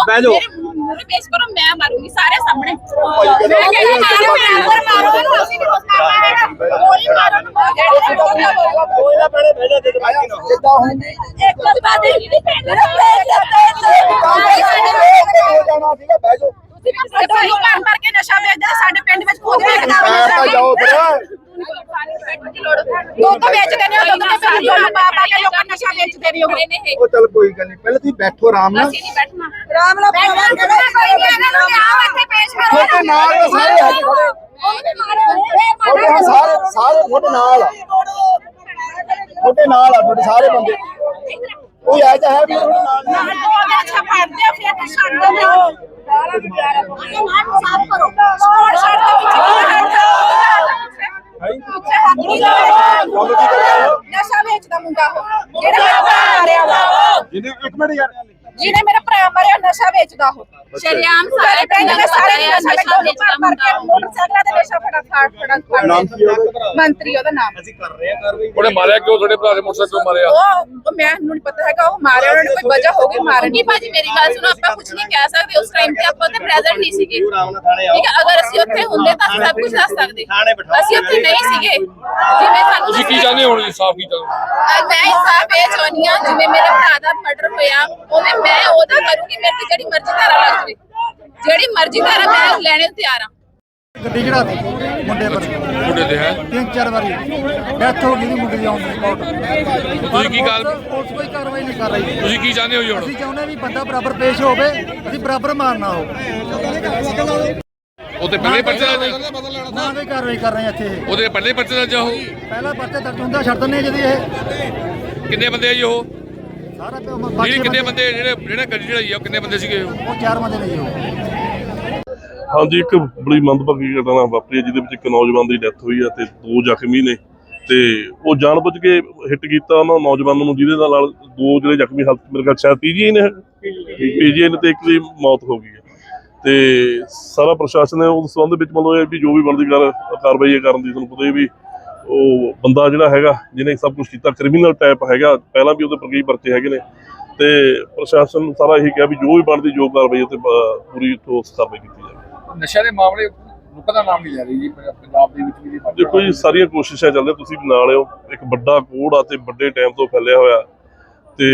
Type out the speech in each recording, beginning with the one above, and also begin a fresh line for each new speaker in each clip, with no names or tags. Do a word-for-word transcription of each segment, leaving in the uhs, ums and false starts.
ਬਹਿ ਜਾਓ
ਮੇਰੇ ਪੇਸ਼ ਕਰੋ, ਮੈਂ ਮਾਰੂੰਗੀ ਸਾਰੇ ਸਾਹਮਣੇ। ਮੈਂ ਕਹਿੰਦੀ ਮਾਰੋ, ਮੈਂ ਅੰਦਰ ਮਾਰੋ ਇਹਨੂੰ, ਅਸੀਂ ਨਹੀਂ ਕੁਝ ਕਰਨਾ ਹੈਗਾ। ਗੋਲੀ ਮਾਰੋ ਨੂੰ
ਕੋਈ ਨਾ ਭੈਣੇ ਬਹਿ ਜਾ, ਜਿੱਦਾਂ ਹੁੰਦੀ
ਇੱਕ ਬਾਤ ਇਹ ਨਹੀਂ ਪੈਂਦਾ
ਹੋ ਜਾਣਾ ਸੀਗਾ। ਬਹਿ ਜਾਓ,
ਤੁਸੀਂ ਕੰਮ ਕਰਕੇ ਨਸ਼ਾ ਵੇਚਦੇ ਸਾਡੇ ਪਿੰਡ ਵਿੱਚ ਖੁਦ ਵੇਚਦਾ
ਬੈਠ ਤਾਂ ਜਾਓ ਫਿਰ।
ਦੁੱਧ ਵੇਚਦੇ ਨੇ, ਦੁੱਧ ਦੇ ਵਿੱਚ ਦੁੱਧ ਪਾ ਪਾ ਕੇ ਲੋਕਾਂ ਨਸ਼ਾ ਵੇਚਦੇ ਨੇ ਉਹ।
ਉਹ ਚੱਲ ਕੋਈ ਗੱਲ ਨਹੀਂ, ਪਹਿਲਾਂ ਤੁਸੀਂ ਬੈਠੋ ਆਰਾਮ ਨਾਲ।
ਅਸੀਂ ਨਹੀਂ ਬੈਠਣਾ ਆਰਾਮ ਨਾਲ, ਕੋਈ ਨਹੀਂ ਇਹਨਾਂ ਨੂੰ ਲਿਆਓ ਇੱਥੇ ਪੇਸ਼ ਕਰੋ।
ਤੁਹਾਡੇ ਨਾਲ ਤਾਂ ਸਾਰੇ ਹੈਗੇ ਖੜੇ, ਤੁਹਾਡੇ ਹਾਂ ਸਾਰੇ ਸਾਰੇ ਤੁਹਾਡੇ ਨਾਲ ਆ, ਤੁਹਾਡੇ ਨਾਲ ਆ, ਤੁਹਾਡੇ ਸਾਰੇ ਬੰਦੇ। ਕੋਈ ਐ ਤਾਂ ਹੈ ਵੀ ਤੁਹਾਡੇ ਨਾਲ
ਨਾਲ ਦੋ ਦੇ ਅੱਛਾ ਫੜਦੇ ਆ, ਫਿਰ ਤਾਂ ਛੱਡ ਦਿੰਦੇ ਹੋ। ਸਾਫ ਕਰੋ, ਛੋੜ ਛੱਡ ਦੇ ਵਿੱਚ ਨਸ਼ਾ ਵੇਚਦਾ ਮੁੰਡਾ ਉਹ ਜਿਹੜਾ ਮੇਰਾ ਭਰਾ ਮਾਰਿਆ ਵਾ,
ਜਿਹਨੇ ਇੱਕ ਮਿੰਟ ਯਾਰ,
ਜਿਹਨੇ ਮੇਰਾ ਭਰਾ ਮਾਰਿਆ ਨਸ਼ਾ ਵੇਚਦਾ ਉਹ। ਸ਼ਰਿਆਮ ਸਾਰੇ ਪਿੰਡ ਦੇ ਸਾਰੇ ਨਸ਼ਾ ਵੇਚਦਾ ਮੁੰਡਾ, ਮੋਟਰਸਾਈਕਲਾਂ ਤੇ ਨਸ਼ਾ ਫੜਾ ਫੜ ਫੜਾ
ਨਾਮ ਕੀ ਉਹਦਾ?
ਮੰਤਰੀ ਉਹਦਾ ਨਾਮ।
ਅਸੀਂ ਕਰ ਰਹੇ ਆ ਕਾਰਵਾਈ।
ਉਹਨੇ ਮਾਰਿਆ ਕਿਉਂ? ਤੁਹਾਡੇ ਭਰਾ ਦੇ ਮੋਟਰਸਾਈਕਲ ਕਿਉਂ ਮਾਰਿਆ?
ਉਹ ਉਹ ਮੈਨੂੰ ਨਹੀਂ ਪਤਾ ਹੈਗਾ, ਉਹ ਮਾਰਿਆ ਉਹਨਾਂ ਨੇ, ਕੋਈ ਵਜ੍ਹਾ ਹੋ ਗਈ ਮਾਰਨ ਦੀ। ਭਾਜੀ ਮੇਰੀ ਗੱਲ ਸੁਣੋ, ਆਪਾਂ ਕੁਝ ਨਹੀਂ ਕਹਿ ਸਕਦੇ, ਉਸ ਟਾਈਮ ਤੇ ਆਪਾਂ ਤੇ ਪ੍ਰੈਜ਼ੈਂਟ ਨਹੀਂ ਸੀਗੇ, ਠੀਕ ਹੈ। ਅਗਰ ਅਸੀਂ ਉੱਥੇ ਹੁੰਦੇ ਤਾਂ ਸਭ ਕੁਝ ਦੱਸ ਸਕਦੇ, ਅਸੀਂ ਉੱਥੇ ਨਹੀਂ ਸੀਗੇ। ਜਿਵੇਂ ਸਾਨੂੰ
ਤੁਸੀਂ ਕੀ ਚਾਹੁੰਦੇ ਹੋ ਹੁਣ? ਇਨਸਾਫ ਕੀ ਚਾਹੁੰਦੇ?
ਮੈਂ ਇਨਸਾਫ ਇਹ ਚਾਹੁੰਦੀ ਹਾਂ, ਜਿਵੇਂ ਮੇਰੇ ਭਰਾ ਦਾ ਮਰਡਰ ਹੋਇਆ ਉਵੇਂ ਮੈਂ ਉਹਦਾ ਕਰੂੰਗੀ। ਮੇਰੇ ਤੇ ਜਿਹੜੀ ਮਰਜ਼ੀ ਧਾਰਾ ਲੱਗ ਜਾਵੇ, ਜਿਹੜੀ ਮਰਜ਼ੀ ਧਾਰਾ ਮੈਂ ਲੈਣੇ ਨੂੰ ਤਿਆਰ ਹਾਂ।
ਗੱਡੀ ਚੜਾ ਦੇ ਮੁੰਡੇ ਪਰ,
ਮੁੰਡੇ ਦੇ ਹੈ
ਤਿੰਨ ਚਾਰ ਵਾਰੀ ਡੈਥ ਹੋ ਗਈ ਮੁੰਡੇ ਦੀ ਆਉਣ ਦੀ ਰਿਪੋਰਟ।
ਤੁਸੀਂ ਕੀ ਗੱਲ
ਪੁਲਿਸ ਕੋਈ ਕਾਰਵਾਈ ਨਹੀਂ ਕਰ ਰਹੀ।
ਤੁਸੀਂ ਕੀ ਚਾਹੁੰਦੇ ਹੋ ਜੀ ਹੁਣ?
ਅਸੀਂ ਚਾਹੁੰਦੇ ਵੀ ਬੰਦਾ ਬਰਾਬਰ ਪੇਸ਼ ਹੋਵੇ, ਅਸੀਂ ਬਰਾਬਰ ਮਾਰਨਾ ਹੋ।
ਉਹਦੇ ਪਹਿਲੇ ਪਰਚੇ ਦਾ
ਨਾ ਕੋਈ ਕਾਰਵਾਈ ਕਰ ਰਹੇ ਹਾਂ ਇੱਥੇ।
ਉਹਦੇ ਪਹਿਲੇ ਪਰਚੇ ਦਾ ਜਾਓ।
ਪਹਿਲਾ ਪਰਚਾ ਦਰਜ ਹੁੰਦਾ ਛੱਡ ਦਿੰਦੇ ਜਦੀ ਇਹ
ਕਿੰਨੇ ਬੰਦੇ ਆ ਜੀ ਉਹ?
ਸਾਰਾ
ਜਿਹੜੇ ਕਿੰਨੇ ਬੰਦੇ ਜਿਹੜੇ ਜਿਹੜੇ ਗੱਡੀ ਚੜਾਈ ਆ, ਕਿੰਨੇ ਬੰਦੇ ਸੀਗੇ ਉਹ?
ਉਹ ਚਾਰ ਬੰਦੇ ਨੇ ਜੀ ਉਹ।
ਹਾਂਜੀ, ਇੱਕ ਬੜੀ ਮੰਦਭਾਗੀ ਘਟਨਾ ਵਾਪਰੀ ਹੈ ਜਿਹਦੇ ਵਿੱਚ ਇੱਕ ਨੌਜਵਾਨ ਦੀ ਡੈਥ ਹੋਈ ਹੈ ਤੇ ਦੋ ਜ਼ਖਮੀ ਨੇ। ਤੇ ਉਹ ਜਾਣਬੁੱਝ ਕੇ ਹਿੱਟ ਕੀਤਾ ਉਹਨਾਂ ਨੌਜਵਾਨ ਨੂੰ, ਜਿਹਦੇ ਨਾਲ ਦੋ ਜਿਹੜੇ ਜ਼ਖਮੀ ਹਾਲਤ ਮੇਰੇ ਖਿਆਲ ਸ਼ਾਇਦ ਪੀਜੀਆਈ ਨੇ ਪੀਜੀਆਈ ਨੇ ਤੇ ਇੱਕ ਦੀ ਮੌਤ ਹੋ ਗਈ ਹੈ। ਤੇ ਸਾਰਾ ਪ੍ਰਸ਼ਾਸਨ ਹੈ ਉਸ ਸੰਬੰਧ ਵਿੱਚ ਮਤਲਬ ਇਹ ਵੀ ਜੋ ਵੀ ਬਣਦੀ ਕਾਰ ਕਾਰਵਾਈ ਕਰਨ ਦੀ। ਤੁਹਾਨੂੰ ਪਤਾ ਹੀ ਵੀ ਉਹ ਬੰਦਾ ਜਿਹੜਾ ਹੈਗਾ ਜਿਹਨੇ ਸਭ ਕੁਛ ਕੀਤਾ ਕ੍ਰਿਮੀਨਲ ਟਾਈਪ ਹੈਗਾ, ਪਹਿਲਾਂ ਵੀ ਉਹਦੇ ਪਰ ਕਈ ਪਰਚੇ ਹੈਗੇ ਨੇ। ਤੇ ਪ੍ਰਸ਼ਾਸਨ ਸਾਰਾ ਇਹੀ ਕਿਹਾ ਵੀ ਜੋ ਵੀ ਬਣਦੀ ਜੋ ਕਾਰਵਾਈ ਤੇ ਪੂਰੀ ਠੋਸ ਕਾਰਵਾਈ ਕੀਤੀ ਜਾਵੇ।
ਨਸ਼ਾ ਦੇ ਮਾਮਲੇ ਰੁਕਣ ਦਾ ਨਾਮ ਨਹੀਂ ਲੈ ਰਹੀ ਜੀ ਪੰਜਾਬ ਦੇ ਵਿੱਚ ਵੀ।
ਦੇਖੋ ਜੀ, ਸਾਰੀਆਂ ਕੋਸ਼ਿਸ਼ਾਂ ਚੱਲ ਰਹੀਆਂ, ਤੁਸੀਂ ਵੀ ਨਾਲ ਹੋ। ਇੱਕ ਵੱਡਾ ਕੋੜ ਆ ਤੇ ਵੱਡੇ ਟਾਈਮ ਤੋਂ ਫੈਲਿਆ ਹੋਇਆ ਤੇ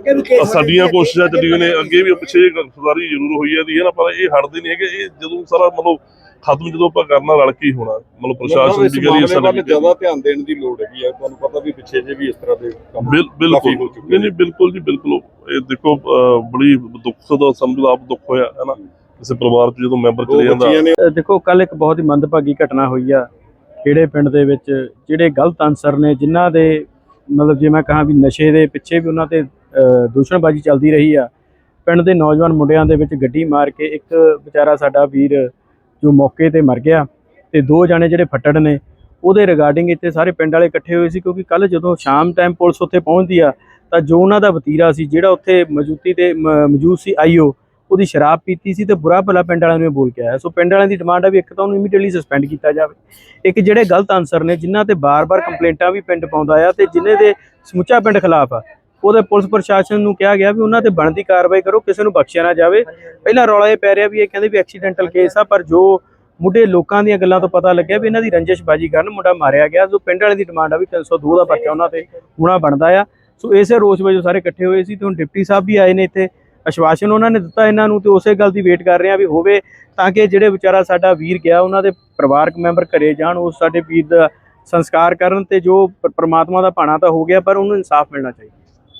ਸਾਡੀਆਂ ਕੋਸ਼ਿਸ਼ਾਂ ਚੱਲੀਆਂ ਨੇ ਅੱਗੇ ਵੀ। ਪਿੱਛੇ ਗ੍ਰਿਫਤਾਰੀ ਜ਼ਰੂਰ ਹੋਈ ਹੈ ਦੀ ਹੈ ਨਾ, ਪਰ ਇਹ ਹਟਦੇ ਨਹੀਂ ਹੈਗੇ। ਇਹ ਜਦੋਂ ਸਾਰਾ ਮਤਲਬ ਖਤਮ ਜਦੋਂ ਆਪਾਂ ਕਰਨਾ ਰਲ ਕੇ ਹੀ ਹੋਣਾ। ਮਤਲਬ ਪ੍ਰਸ਼ਾਸਨ ਦੀ ਗੱਲ
ਜ਼ਿਆਦਾ ਧਿਆਨ ਦੇਣ ਦੀ ਲੋੜ ਹੈਗੀ ਹੈ। ਤੁਹਾਨੂੰ ਪਤਾ ਵੀ ਪਿੱਛੇ ਜੇ ਵੀ ਇਸ ਤਰ੍ਹਾਂ ਦੇ ਕੰਮ
ਬਿਲਕੁਲ ਨਹੀਂ ਨਹੀਂ ਬਿਲਕੁਲ ਜੀ ਬਿਲਕੁਲ। ਇਹ ਦੇਖੋ ਬੜੀ ਦੁੱਖ ਦਾ ਸਮਝ ਆਪ ਦੁੱਖ ਹੋਇਆ ਹੈ ਨਾ ਕਿਸੇ ਪਰਿਵਾਰ ਚ ਜਦੋਂ ਮੈਂਬਰ ਚਲੇ ਜਾਂਦਾ।
ਦੇਖੋ ਕੱਲ ਇੱਕ ਬਹੁਤ ਹੀ ਮੰਦਭਾਗੀ ਘਟਨਾ ਹੋਈ ਆ ਖੇੜੇ ਪਿੰਡ ਦੇ ਵਿੱਚ। ਜਿਹੜੇ ਗਲਤ ਅਨਸਰ ਨੇ ਜਿਨ੍ਹਾਂ ਦੇ ਮਤਲਬ ਜੇ ਮੈਂ ਕਹਾਂ ਵੀ ਨਸ਼ੇ ਦੇ ਪਿੱਛੇ ਵੀ ਉਹਨਾਂ ਤੇ ਦੂਸ਼ਣਬਾਜ਼ੀ ਚੱਲਦੀ ਰਹੀ ਆ। ਪਿੰਡ ਦੇ ਨੌਜਵਾਨ ਮੁੰਡਿਆਂ ਦੇ ਵਿੱਚ ਗੱਡੀ ਮਾਰ ਕੇ ਇੱਕ ਵਿਚਾਰਾ ਸਾਡਾ ਵੀਰ ਜੋ ਮੌਕੇ ਤੇ ਮਰ ਗਿਆ ਤੇ ਦੋ ਜਾਣੇ ਜਿਹੜੇ ਫੱਟੜ ਨੇ ਉਹਦੇ ਰਿਗਾਰਡਿੰਗ ਇੱਥੇ ਸਾਰੇ ਪਿੰਡ ਵਾਲੇ ਇਕੱਠੇ ਹੋਏ ਸੀ। ਕਿਉਂਕਿ ਕੱਲ ਜਦੋਂ ਸ਼ਾਮ ਟਾਈਮ ਪੁਲਿਸ ਉੱਥੇ ਪਹੁੰਚਦੀ ਆ ਤਾਂ ਜੋ ਉਹਨਾਂ ਦਾ ਵਤੀਰਾ ਸੀ ਜਿਹੜਾ ਉੱਥੇ ਮੌਜੂਦੀ ਤੇ ਮੌਜੂਦ ਸੀ ਆਈਓ, ਉਹਦੀ ਸ਼ਰਾਬ ਪੀਤੀ ਸੀ ਤੇ ਬੁਰਾ ਭਲਾ ਪਿੰਡ ਵਾਲਿਆਂ ਨੂੰ ਬੋਲ ਕੇ ਆਇਆ। ਸੋ ਪਿੰਡ ਵਾਲਿਆਂ ਦੀ ਡਿਮਾਂਡ ਆ ਵੀ ਇੱਕ ਤਾਂ ਉਹਨੂੰ ਇਮੀਡੀਏਟਲੀ ਸਸਪੈਂਡ ਕੀਤਾ ਜਾਵੇ। ਇੱਕ ਜਿਹੜੇ ਗਲਤ ਅਨਸਰ ਨੇ ਜਿਨ੍ਹਾਂ ਤੇ ਬਾਰ-ਬਾਰ ਕੰਪਲੇਂਟਾਂ ਵੀ ਪਿੰਡ ਪਾਉਂਦਾ ਆ ਤੇ ਜਿਨ੍ਹਾਂ ਦੇ ਸਮੁੱਚਾ ਪਿੰਡ ਖਿਲਾਫ ਆ, ਉਹਦੇ ਪੁਲਿਸ ਪ੍ਰਸ਼ਾਸਨ ਨੂੰ ਕਿਹਾ ਗਿਆ ਵੀ ਉਹਨਾਂ ਤੇ ਬਣਦੀ ਕਾਰਵਾਈ ਕਰੋ, ਕਿਸੇ ਨੂੰ ਬਖਸ਼ਿਆ ਨਾ ਜਾਵੇ। ਪਹਿਲਾਂ ਰੌਲਾ ਇਹ ਪੈ ਰਿਹਾ ਵੀ ਇਹ ਕਹਿੰਦੇ ਵੀ ਐਕਸੀਡੈਂਟਲ ਕੇਸ ਆ, ਪਰ ਜੋ ਮੁੰਡੇ ਲੋਕਾਂ ਦੀਆਂ ਗੱਲਾਂ ਤੋਂ ਪਤਾ ਲੱਗਿਆ ਵੀ ਇਹਨਾਂ ਦੀ ਰੰਜਿਸ਼ਬਾਜੀ ਕਾਰਨ ਮੁੰਡਾ ਮਾਰਿਆ ਗਿਆ। ਸੋ ਪਿੰਡ ਵਾਲੇ ਦੀ ਡਿਮਾਂਡ ਆ ਵੀ ਤਿੰਨ ਸੌ ਦੋ ਦਾ ਪਰਚਾ ਉਹਨਾਂ ਤੇ ਹੋਣਾ ਬਣਦਾ ਆ। ਸੋ ਇਸੇ ਰੋਸ ਵਜੋਂ ਸਾਰੇ ਇਕੱਠੇ ਹੋਏ ਸੀ ਤੇ ਹੁਣ ਡਿਪਟੀ ਸਾਹਿਬ ਵੀ ਆਏ ਨੇ ਇੱਥੇ। ਆਸ਼ਵਾਸਨ ਉਹਨਾਂ ਨੇ ਦਿੱਤਾ ਇਹਨਾਂ ਨੂੰ ਤੇ ਉਸੇ ਗੱਲ ਦੀ ਵੇਟ ਕਰ ਰਹੇ ਆ ਵੀ ਹੋਵੇ ਤਾਂ ਕਿ ਜਿਹੜੇ ਵਿਚਾਰਾ ਸਾਡਾ ਵੀਰ ਗਿਆ ਉਹਨਾਂ ਦੇ ਪਰਿਵਾਰਕ ਮੈਂਬਰ ਘਰੇ ਜਾਣ, ਉਸ ਸਾਡੇ ਵੀਰ ਦਾ ਸੰਸਕਾਰ ਕਰਨ ਤੇ ਜੋ ਪ੍ਰਮਾਤਮਾ ਦਾ ਭਾਣਾ ਤਾਂ ਹੋ ਗਿਆ ਪਰ ਉਹਨੂੰ ਇਨਸਾਫ ਮਿਲਣਾ ਚਾਹੀਦਾ।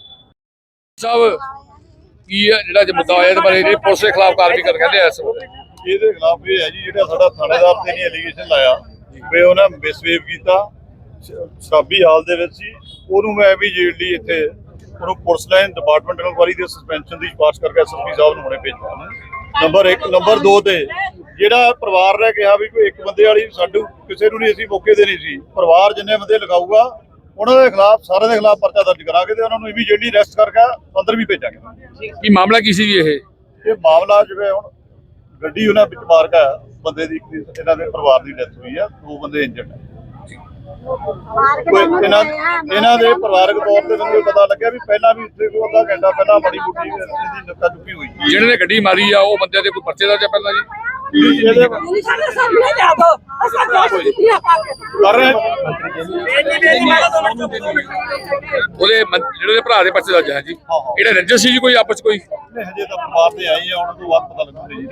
ਸਾਹਿਬ ਕੀ ਹੈ ਜਿਹੜਾ ਮੁੱਦਾ ਆਇਆ ਇਹਦੇ ਬਾਰੇ ਜਿਹੜੀ ਪੁਲਿਸ ਦੇ ਖਿਲਾਫ ਕਾਰਵਾਈ ਕਰ ਕਹਿੰਦੇ ਆ? ਇਸ
ਇਹਦੇ ਖਿਲਾਫ ਇਹ ਹੈ ਜੀ ਜਿਹੜਾ ਸਾਡਾ ਥਾਣੇਦਾਰ ਤੇ ਨਹੀਂ ਐਲੀਗੇਸ਼ਨ ਲਾਇਆ ਵੀ ਉਹਨਾਂ ਮਿਸਬੀਹੇਵ ਕੀਤਾ, ਸ਼ਰਾਬੀ ਹਾਲ ਦੇ ਵਿੱਚ ਸੀ, ਉਹਨੂੰ ਮੈਂ ਇਮੀਡੀਏਟਲੀ ਇੱਥੇ ਉਹਨੂੰ ਪੁਲਿਸ ਲਾਈਨ ਡਿਪਾਰਟਮੈਂਟ ਇਨਕੁਆਇਰੀ ਦੇ ਸਸਪੈਂਸ਼ਨ ਦੀ ਸਿਫਾਰਿਸ਼ ਕਰਕੇ ਐਸਐਸਪੀ ਸਾਹਿਬ ਨੂੰ ਹੁਣੇ ਭੇਜਿਆ। ਨੰਬਰ ਇੱਕ ਨੰਬਰ ਦੋ ਤੇ ਜਿਹੜਾ ਪਰਿਵਾਰ ਨੇ ਕਿਹਾ ਵੀ ਕੋਈ ਇੱਕ ਬੰਦੇ ਵਾਲੀ ਸਾਡੂ ਕਿਸੇ ਨੂੰ ਨਹੀਂ ਅਸੀਂ ਮੌਕੇ ਦੇ ਨਹੀਂ ਸੀ, ਪਰਿਵਾਰ ਜਿੰਨੇ ਬੰਦੇ ਲਿਖਾਊਗਾ ਉਹਨਾਂ ਦੇ ਖਿਲਾਫ ਸਾਰਿਆਂ ਦੇ ਖਿਲਾਫ ਪਰਚਾ ਦਰਜ ਕਰਾਂਗੇ ਤੇ ਉਹਨਾਂ ਨੂੰ ਇਮੀਡੀਏਟਲੀ ਅਰੈਸਟ ਕਰਕੇ ਅੰਦਰ ਵੀ ਭੇਜਾਂਗੇ।
ਕੀ ਮਾਮਲਾ ਕੀ ਸੀ ਜੀ ਇਹ?
ਇਹ ਮਾਮਲਾ ਜਿਵੇਂ ਹੁਣ ਗੱਡੀ ਉਹਨਾਂ ਵਿੱਚ ਮਾਰ ਕੇ ਬੰਦੇ ਦੀ ਇਹਨਾਂ ਦੇ ਪਰਿਵਾਰ ਦੀ ਡੈਥ ਹੋਈ ਆ, ਦੋ ਬੰਦੇ ਇੰਜਰਡ ਹੈ। ਕੋਈ ਇਹਨਾਂ ਇਹਨਾਂ ਦੇ ਪਰਿਵਾਰਕ ਤੌਰ ਤੇ ਮੈਨੂੰ ਪਤਾ ਲੱਗਿਆ ਵੀ ਪਹਿਲਾਂ ਵੀ ਇੱਥੇ ਕੋਈ ਅੱਧਾ ਘੰਟਾ ਪਹਿਲਾਂ ਬੜੀ ਮੁੱਠੀ ਦੀ ਨੱਕਾ ਚੁੱਕੀ ਹੋਈ
ਜਿਹੜੇ ਨੇ ਗੱਡੀ ਮਾਰੀ ਆ ਉਹ ਬੰਦੇ ਦੇ ਕੋਈ ਪਰਚੇ ਦਾ ਜਾਂ ਪਹਿਲਾਂ ਜੀ
ਇਹਦੇ ਕਰ ਰਹੇ
ਉਹਦੇ ਮੰ- ਜਿਹੜੇ ਉਹਦੇ ਭਰਾ ਦੇ ਪਰਚੇ ਦਾ ਜਾਂ ਜੀ ਇਹੜੇ ਰੰਜਨ ਸੀ ਜੀ ਕੋਈ ਆਪਸ 'ਚ ਕੋਈ
ਨੇ ਹਜੇ ਤਾਂ ਪਰਿਵਾਰ ਤੇ ਆਈ ਆ, ਉਹਨਾਂ ਤੋਂ ਬਾਅਦ ਪਤਾ ਲੱਗੂਗਾ ਜੀ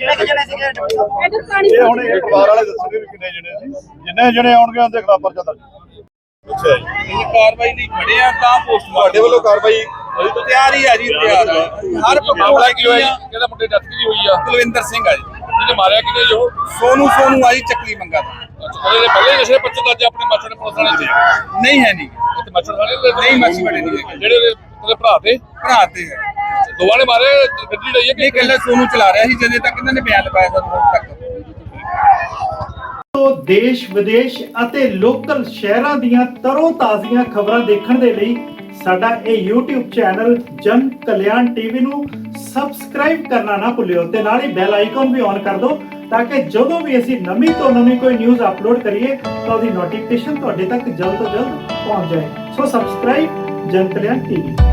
ਇਹ ਹੁਣ ਇਹ ਪਰਿਵਾਰ ਵਾਲੇ ਦੱਸਣਗੇ ਵੀ ਕਿੰਨੇ ਜਣੇ ਸੀ, ਜਿੰਨੇ ਜਣੇ ਆਉਣਗੇ ਉਹਦੇ ਖਿਲਾਫ ਪਰਚਾ ਦਰਜ। ਅੱਛਾ ਜੀ,
ਇਹ ਕਾਰਵਾਈ ਲਈ ਖੜੇ ਆ ਤਾਂ ਪੋਸਟ
ਤੁਹਾਡੇ ਵੱਲੋਂ ਕਾਰਵਾਈ
ਅਸੀਂ ਤਾਂ ਤਿਆਰ ਹੀ ਆ ਜੀ, ਤਿਆਰ ਆ। ਹਰ
ਮਾਮਲਾ ਕੀ ਹੋਇਆ ਜੀ ਕਿਹੜਾ ਮੁੰਡੇ ਡੈਥ ਕੀ ਹੋਈ ਆ
ਕੁਲਵਿੰਦਰ ਸਿੰਘ ਆ ਜੀ,
ਜਿਹਨੇ ਮਾਰਿਆ ਕਿਹਨੇ ਜੋ
ਸੋਨੂ ਸੋਨੂ ਆ ਜੀ ਚੱਕਲੀ ਮੰਗਾ ਦਾ।
ਉਹਦੇ ਦੇ ਪਹਿਲੇ ਨਸ਼ੇ ਪਰਚੇ ਦਾ ਅੱਜ ਆਪਣੇ ਮਾਸਟਰ ਨੇ ਪੁਲਿਸ ਵਾਲੇ ਤੇ
ਨਹੀਂ ਹੈ ਨਹੀਂ
ਇੱਥੇ ਮਾਸਟਰ ਵਾਲੇ ਦੇ
ਨਹੀਂ ਮਾਛੀ ਬੜੇ ਨਹੀਂ ਹੈਗੇ।
ਜਿਹੜੇ ਉਹਦੇ ਉਹਦੇ ਭਰਾ ਤੇ
ਭਰਾ ਤੇ ਹੈ
ਦੋਵਾਂ ਨੇ ਮਾਰੇ ਗੱਡੀ ਲਈ ਹੈ
ਇਹ
ਕਿ
ਇਕੱਲਾ ਸੋਨੂ ਚਲਾ ਰਿਹਾ ਸੀ, ਜਦੋਂ ਤੱਕ ਇਹਨਾਂ ਨੇ ਬਿਆਨ ਲਗਾਇਆ ਸਾਨੂੰ ਹੁਣ ਤੱਕ।
ਤੋਂ ਦੇਸ਼ ਵਿਦੇਸ਼ ਅਤੇ ਲੋਕਲ ਸ਼ਹਿਰਾਂ ਦੀਆਂ ਤਰੋ ਤਾਜ਼ੀਆਂ ਖਬਰਾਂ ਦੇਖਣ ਦੇ ਲਈ ਸਾਡਾ ਇਹ YouTube ਚੈਨਲ ਜਨ ਕਲਿਆਣ ਟੀਵੀ ਨੂੰ ਸਬਸਕ੍ਰਾਈਬ ਕਰਨਾ ਨਾ ਭੁੱਲਿਓ ਤੇ ਨਾਲ ਹੀ ਬੈਲ ਆਈਕਨ ਵੀ ਔਨ ਕਰ ਦਿਓ ਤਾਂ ਕਿ ਜਦੋਂ ਵੀ ਅਸੀਂ ਨਵੀਂ ਤੋਂ ਨਵੀਂ ਕੋਈ ਨਿਊਜ਼ ਅਪਲੋਡ ਕਰੀਏ ਤਾਂ ਉਹਦੀ ਨੋਟੀਫਿਕੇਸ਼ਨ ਤੁਹਾਡੇ ਤੱਕ ਜਲਦ ਤੋਂ ਜਲਦ ਪਹੁੰਚ ਜਾਏ। ਸੋ ਸਬਸਕ੍ਰਾਈਬ ਜਨ ਕਲਿਆਣ ਟੀਵੀ।